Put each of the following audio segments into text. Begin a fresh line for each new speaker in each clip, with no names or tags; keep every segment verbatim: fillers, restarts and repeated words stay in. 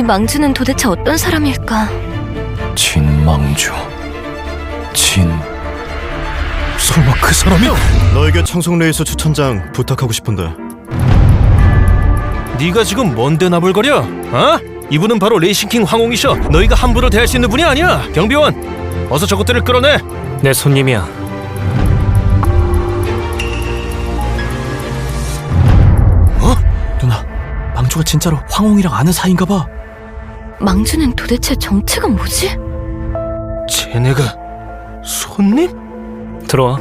망주는 도대체 어떤 사람일까?
진망주. 진... 설마 그 사람이야?
너에게 청송레이스 추천장 부탁하고 싶은데.
네가 지금 뭔데 나불거려? 어? 이분은 바로 레이싱킹 황홍이셔. 너희가 함부로 대할 수 있는 분이 아니야. 경비원, 어서 저것들을 끌어내.
내 손님이야.
누나, 망주가 진짜로 황홍이랑 아는 사이인가 봐.
망주는 도대체 정체가 뭐지?
쟤네가 손님?
들어와.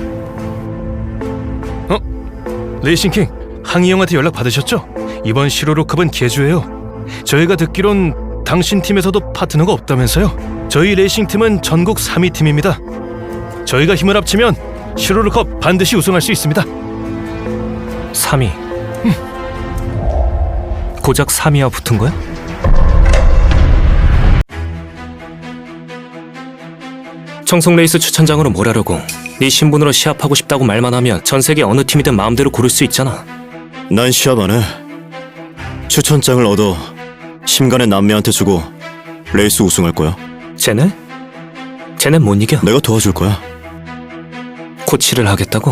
레이싱킹, 항이 형한테 연락 받으셨죠? 이번 시로로컵은 개주예요. 저희가 듣기론 당신 팀에서도 파트너가 없다면서요? 저희 레이싱팀은 전국 삼 위 팀입니다. 저희가 힘을 합치면 시로로컵 반드시 우승할 수 있습니다.
삼 위. 고작 삼 위와 붙은 거야? 청송레이스 추천장으로 뭘 하려고? 네 신분으로 시합하고 싶다고 말만 하면 전 세계 어느 팀이든 마음대로 고를 수 있잖아.
난 시합 안 해. 추천장을 얻어 심간의 남매한테 주고 레이스 우승할 거야.
쟤네? 쟤네 못 이겨.
내가 도와줄 거야.
코치를 하겠다고?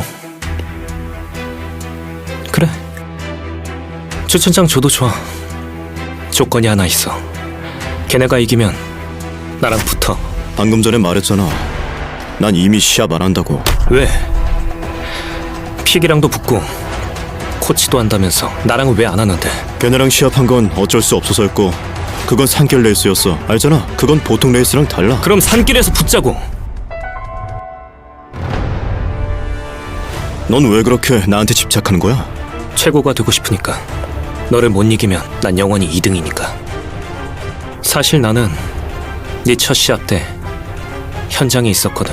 그래. 추천장 줘도 좋아. 조건이 하나 있어. 걔네가 이기면 나랑 붙어.
방금 전에 말했잖아. 난 이미 시합 안 한다고.
왜? 픽이랑도 붙고 코치도 한다면서 나랑은 왜 안 하는데?
걔네랑 시합한 건 어쩔 수 없어서였고, 그건 산길 레이스였어. 알잖아. 그건 보통 레이스랑 달라.
그럼 산길에서 붙자고.
넌 왜 그렇게 나한테 집착하는 거야?
최고가 되고 싶으니까. 너를 못 이기면 난 영원히 이 등이니까. 사실 나는 네 첫 시합 때 현장에 있었거든.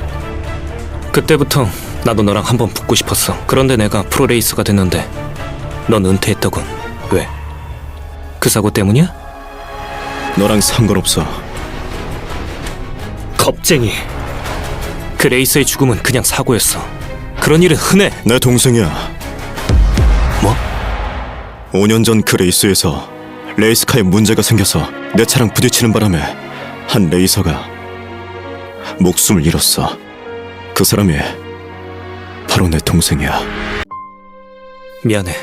그때부터 나도 너랑 한번 붙고 싶었어. 그런데 내가 프로레이서가 됐는데 넌 은퇴했더군. 왜? 그 사고 때문이야?
너랑 상관없어.
겁쟁이. 그 레이서의 죽음은 그냥 사고였어. 그런 일은 흔해.
내 동생이야.
뭐?
오 년 전 그 레이스에서 레이스카에 문제가 생겨서 내 차랑 부딪히는 바람에 한 레이서가 목숨을 잃었어. 그 사람이 바로 내 동생이야.
미안해.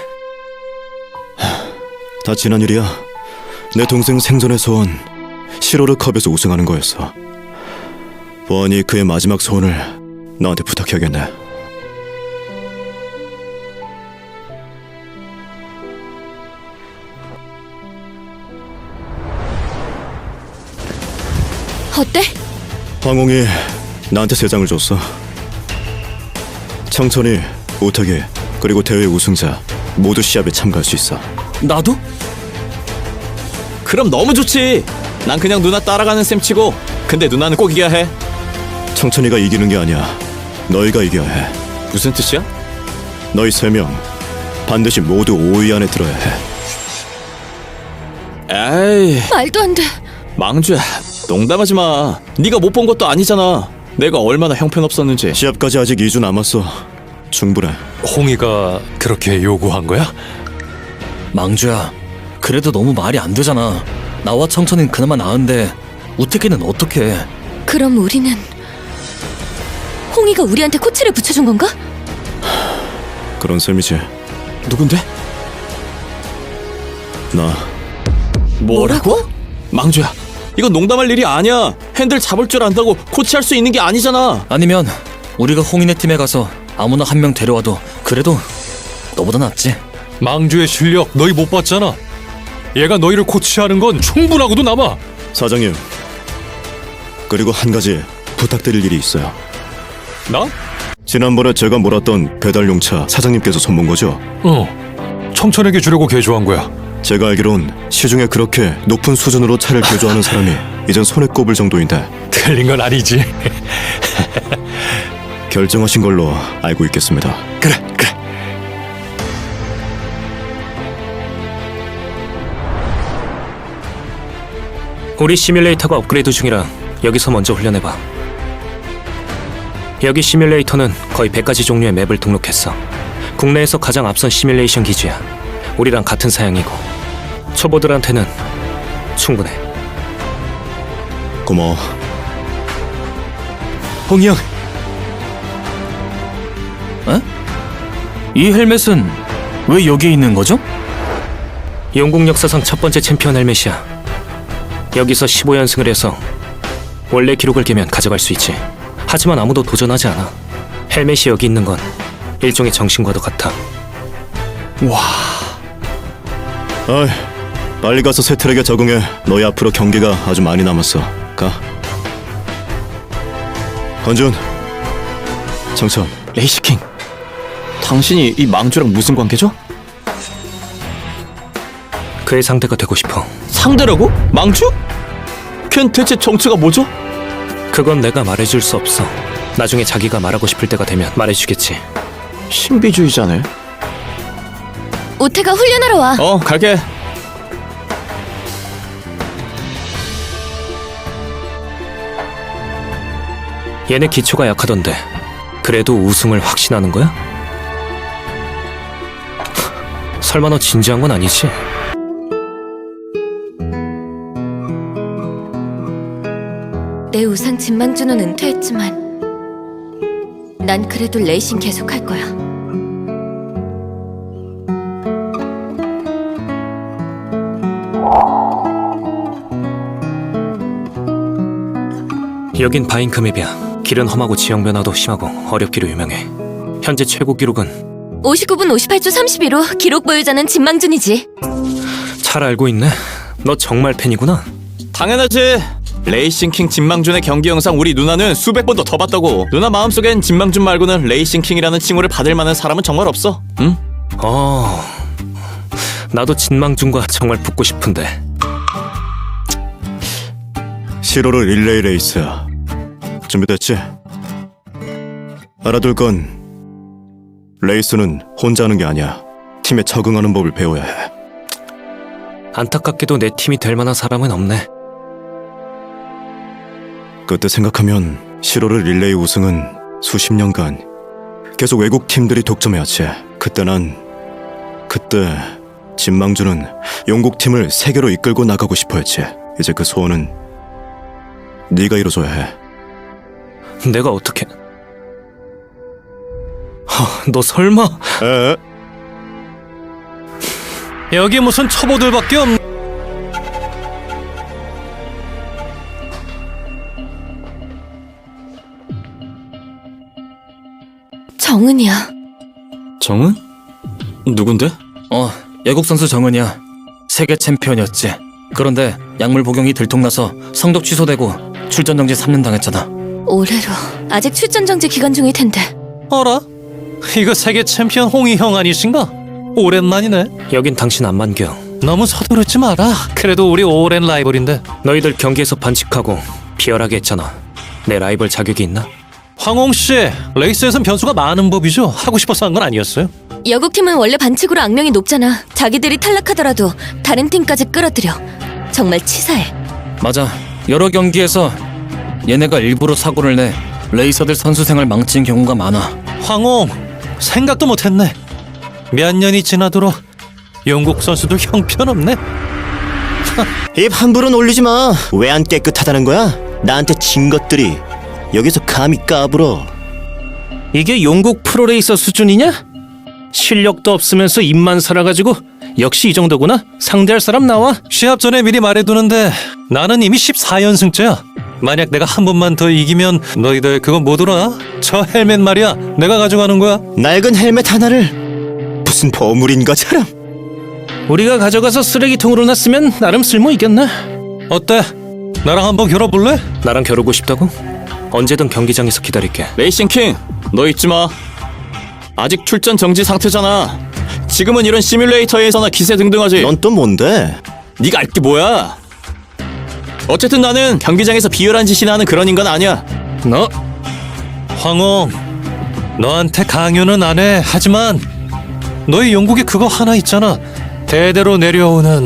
다 지난 일이야. 내 동생 생전의 소원, 시로르컵에서 우승하는 거였어. 보아니 그의 마지막 소원을 너한테 부탁해야겠네.
어때?
황홍이 나한테 세 장을 줬어. 청천이, 우탁이, 그리고 대회 우승자 모두 시합에 참가할 수 있어.
나도? 그럼 너무 좋지. 난 그냥 누나 따라가는 셈 치고. 근데 누나는 꼭 이겨야 해.
청천이가 이기는 게 아니야. 너희가 이겨야 해.
무슨 뜻이야?
너희 세 명 반드시 모두 오 위 안에 들어야 해.
에이,
말도 안 돼.
망주야, 농담하지 마. 네가 못 본 것도 아니잖아. 내가 얼마나 형편없었는지.
시합까지 아직 이 주 남았어. 충분해.
홍이가 그렇게 요구한 거야?
망주야, 그래도 너무 말이 안 되잖아. 나와 청천이는 그나마 나은데 우태기는 어떻게?
그럼 우리는 홍이가 우리한테 코치를 붙여준 건가?
그런 셈이지.
누군데?
나
뭐라고?
망주야, 이건 농담할 일이 아니야. 핸들 잡을 줄 안다고 코치할 수 있는 게 아니잖아.
아니면 우리가 홍인의 팀에 가서 아무나 한 명 데려와도 그래도 너보다 낫지.
망주의 실력 너희 못 봤잖아. 얘가 너희를 코치하는 건 충분하고도 남아.
사장님, 그리고 한 가지 부탁드릴 일이 있어요.
나?
지난번에 제가 몰았던 배달용차 사장님께서 손본 거죠?
어. 청천에게 주려고 개조한 거야.
제가 알기론 시중에 그렇게 높은 수준으로 차를 개조하는 사람이 이젠 손에 꼽을 정도인데
틀린 건 아니지.
결정하신 걸로 알고 있겠습니다.
그래, 그래.
우리 시뮬레이터가 업그레이드 중이라 여기서 먼저 훈련해봐. 여기 시뮬레이터는 거의 백 가지 종류의 맵을 등록했어. 국내에서 가장 앞선 시뮬레이션 기지야. 우리랑 같은 사양이고 초보들한테는 충분해.
고마워.
홍이 형,
이 헬멧은 왜 여기에 있는 거죠?
영국 역사상 첫 번째 챔피언 헬멧이야. 여기서 십오 연승을 해서 원래 기록을 깨면 가져갈 수 있지. 하지만 아무도 도전하지 않아. 헬멧이 여기 있는 건 일종의 정신과도 같아.
어이, 빨리 가서 새 트랙에 적응해. 너희 앞으로 경기가 아주 많이 남았어. 가. 건준, 정천.
레이시킹, 당신이 이 망주랑 무슨 관계죠?
그의 상대가 되고 싶어.
상대라고? 망주? 걘 대체 정체가 뭐죠?
그건 내가 말해줄 수 없어. 나중에 자기가 말하고 싶을 때가 되면 말해주겠지.
신비주의자네.
우태가 훈련하러 와.
어, 갈게.
얘네 기초가 약하던데 그래도 우승을 확신하는 거야? 설마 너 진지한 건 아니지?
내 우상 진망주는 은퇴했지만 난 그래도 레이싱 계속할 거야.
여긴 바인크맵이야. 길은 험하고 지형 변화도 심하고 어렵기로 유명해. 현재 최고 기록은
오십구 분 오십팔 초 삼십이로 기록 보유자는 진망준이지.
잘 알고 있네. 너 정말 팬이구나.
당연하지. 레이싱킹 진망준의 경기 영상 우리 누나는 수백 번도 더 봤다고. 누나 마음속엔 진망준 말고는 레이싱킹이라는 칭호를 받을 만한 사람은 정말 없어. 응?
어... 나도 진망준과 정말 붙고 싶은데.
시로르 릴레이 레이스 준비됐지? 알아둘 건 레이스는 혼자 하는 게 아니야. 팀에 적응하는 법을 배워야 해.
안타깝게도 내 팀이 될 만한 사람은 없네.
그때 생각하면 시로르 릴레이 우승은 수십 년간 계속 외국 팀들이 독점해왔지. 그때 난 그때 진망주는 영국 팀을 세계로 이끌고 나가고 싶어했지. 이제 그 소원은 네가 이뤄줘야 해.
내가 어떻게... 허, 너 설마...
에?
여기 무슨 초보들밖에 없...
정은이야.
정은? 누군데?
어, 애국 선수 정은이야. 세계 챔피언이었지. 그런데 약물 복용이 들통나서 성적 취소되고 출전 정지 삼 년 당했잖아.
올해로 아직 출전 정지 기간 중일 텐데.
어라? 이거 세계 챔피언 홍이 형 아니신가? 오랜만이네.
여긴 당신 안 만겨.
너무 서두르지 마라. 그래도 우리 오랜 라이벌인데.
너희들 경기에서 반칙하고 비열하게 했잖아. 내 라이벌 자격이 있나?
황홍 씨, 레이스에선 변수가 많은 법이죠. 하고 싶어서 한 건 아니었어요.
여국팀은 원래 반칙으로 악명이 높잖아. 자기들이 탈락하더라도 다른 팀까지 끌어들여. 정말 치사해.
맞아. 여러 경기에서 얘네가 일부러 사고를 내 레이서들 선수 생활 망친 경우가 많아.
황홍, 생각도 못했네. 몇 년이 지나도록 영국 선수도 형편없네.
입 함부로 놀리지 마. 왜 안 깨끗하다는 거야? 나한테 진 것들이 여기서 감히 까불어.
이게 영국 프로레이서 수준이냐? 실력도 없으면서 입만 살아가지고 역시 이 정도구나? 상대할 사람 나와?
시합 전에 미리 말해두는데 나는 이미 십사 연승째야. 만약 내가 한 번만 더 이기면 너희들 그거 못 오나? 저 헬멧 말이야. 내가 가져가는 거야.
낡은 헬멧 하나를 무슨 버물인 것처럼.
우리가 가져가서 쓰레기통으로 놨으면 나름 쓸모 있겠네.
어때? 나랑 한번 겨뤄볼래?
나랑 겨루고 싶다고? 언제든 경기장에서 기다릴게.
레이싱킹, 너 잊지 마. 아직 출전 정지 상태잖아. 지금은 이런 시뮬레이터에서나 기세 등등하지.
넌 또 뭔데?
네가 알 게 뭐야? 어쨌든 나는 경기장에서 비열한 짓이나 하는 그런 인간 아니야.
너? 황홍, 너한테 강요는 안 해. 하지만 너희 영국에 그거 하나 있잖아. 대대로 내려오는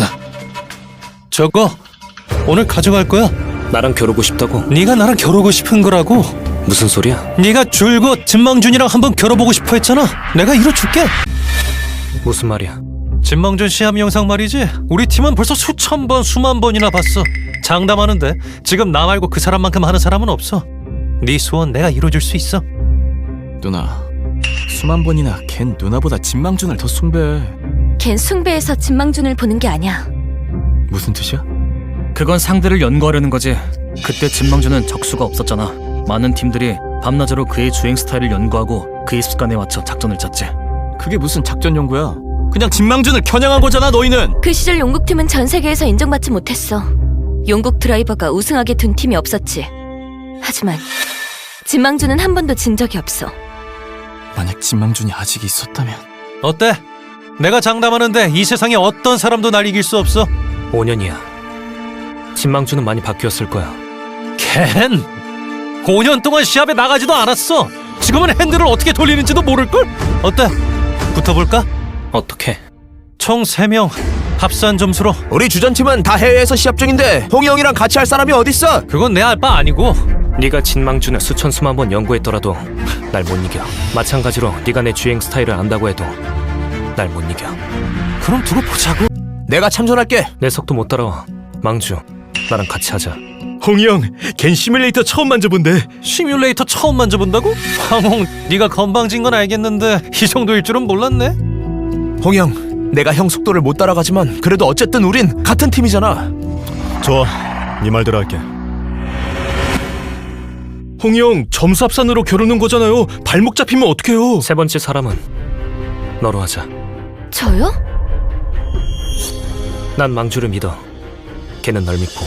저거 오늘 가져갈 거야.
나랑 겨루고 싶다고?
네가 나랑 겨루고 싶은 거라고.
무슨 소리야?
네가 줄곧 진망준이랑 한번 겨뤄보고 싶어 했잖아. 내가 이뤄줄게.
무슨 말이야?
진망준 시합 영상 말이지. 우리 팀은 벌써 수천 번, 수만 번이나 봤어. 장담하는데 지금 나 말고 그 사람만큼 하는 사람은 없어. 네 소원 내가 이뤄줄 수 있어.
누나, 수만 번이나 걘 누나보다 진망준을 더 숭배해.
걘 숭배해서 진망준을 보는 게 아니야.
무슨 뜻이야?
그건 상대를 연구하려는 거지. 그때 진망준은 적수가 없었잖아. 많은 팀들이 밤낮으로 그의 주행 스타일을 연구하고 그의 습관에 맞춰 작전을 짰지.
그게 무슨 작전 연구야? 그냥 진망준을 겨냥한 거잖아, 너희는.
그 시절 용국팀은 전 세계에서 인정받지 못했어. 용국 드라이버가 우승하게 둔 팀이 없었지. 하지만 진망준은 한 번도 진 적이 없어.
만약 진망준이 아직 있었다면.
어때? 내가 장담하는데 이 세상에 어떤 사람도 날 이길 수 없어.
오 년이야. 진망준은 많이 바뀌었을 거야.
켄! 오 년 동안 시합에 나가지도 않았어. 지금은 핸들을 어떻게 돌리는지도 모를걸? 어때? 붙어볼까?
어떻게?
총 세 명 합산 점수로.
우리 주전팀은 다 해외에서 시합 중인데 홍이 형이랑 같이 할 사람이 어딨어?
그건 내 알 바 아니고.
네가 진망준을 수천 수만 번 연구했더라도 날 못 이겨. 마찬가지로 네가 내 주행 스타일을 안다고 해도 날 못 이겨.
그럼 두고 보자고.
내가 참전할게.
내 속도 못 따라와. 망주, 나랑 같이 하자.
홍이 형, 걘 시뮬레이터 처음 만져본대. 시뮬레이터 처음 만져본다고? 황홍, 네가 건방진 건 알겠는데 이 정도일 줄은 몰랐네.
홍이 형, 내가 형 속도를 못 따라가지만 그래도 어쨌든 우린 같은 팀이잖아.
좋아, 네 말대로 할게.
홍이 형, 점수 합산으로 겨루는 거잖아요. 발목 잡히면 어떡해요?
세 번째 사람은 너로 하자.
저요?
난 망주를 믿어. 걔는 널 믿고.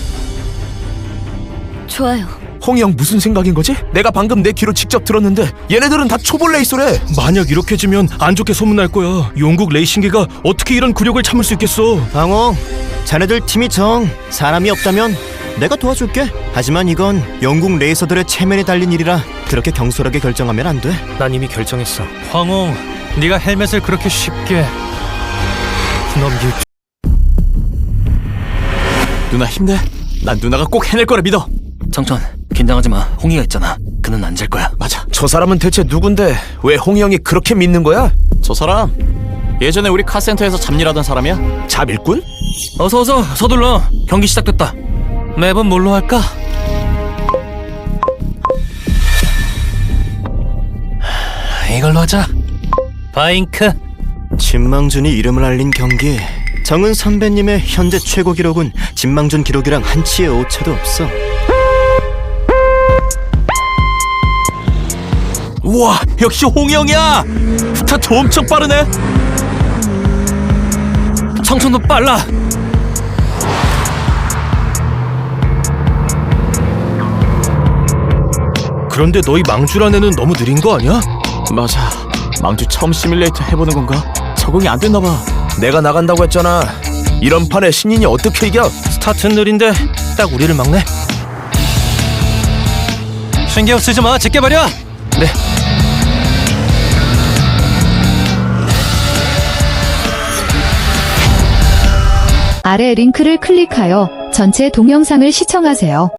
좋아요.
홍이 형 무슨 생각인 거지? 내가 방금 내 귀로 직접 들었는데 얘네들은 다 초보 레이서래.
만약 이렇게 지면 안 좋게 소문날 거야. 용국 레이싱계가 어떻게 이런 굴욕을 참을 수 있겠어?
방어, 자네들 팀이 정 사람이 없다면 내가 도와줄게. 하지만 이건 영국 레이서들의 체면에 달린 일이라 그렇게 경솔하게 결정하면 안 돼.
난 이미 결정했어.
황홍, 네가 헬멧을 그렇게 쉽게 넘길 줄...
누나 힘내. 난 누나가 꼭 해낼 거라 믿어.
청천, 긴장하지 마. 홍이가 있잖아. 그는 안 질 거야.
맞아.
저 사람은 대체 누군데 왜 홍이 형이 그렇게 믿는 거야?
저 사람 예전에 우리 카센터에서 잡일하던 사람이야.
잡일꾼?
어서 어서 서둘러. 경기 시작됐다.
맵은 뭘로 할까? 이걸로 하자. 바잉크.
진망준이 이름을 알린 경기. 정은 선배님의 현재 최고 기록은 진망준 기록이랑 한치의 오차도 없어.
우와, 역시 홍이 형이야. 스타트 엄청 빠르네.
청천도 빨라.
그런데 너희 망주란 애는 너무 느린 거 아니야?
맞아. 망주 처음 시뮬레이터 해보는 건가? 적응이 안 됐나 봐.
내가 나간다고 했잖아. 이런 판에 신인이 어떻게 이겨?
스타트는 느린데 딱 우리를 막네. 신경 쓰지 마. 제게 버려.
네.
아래 링크를 클릭하여 전체 동영상을 시청하세요.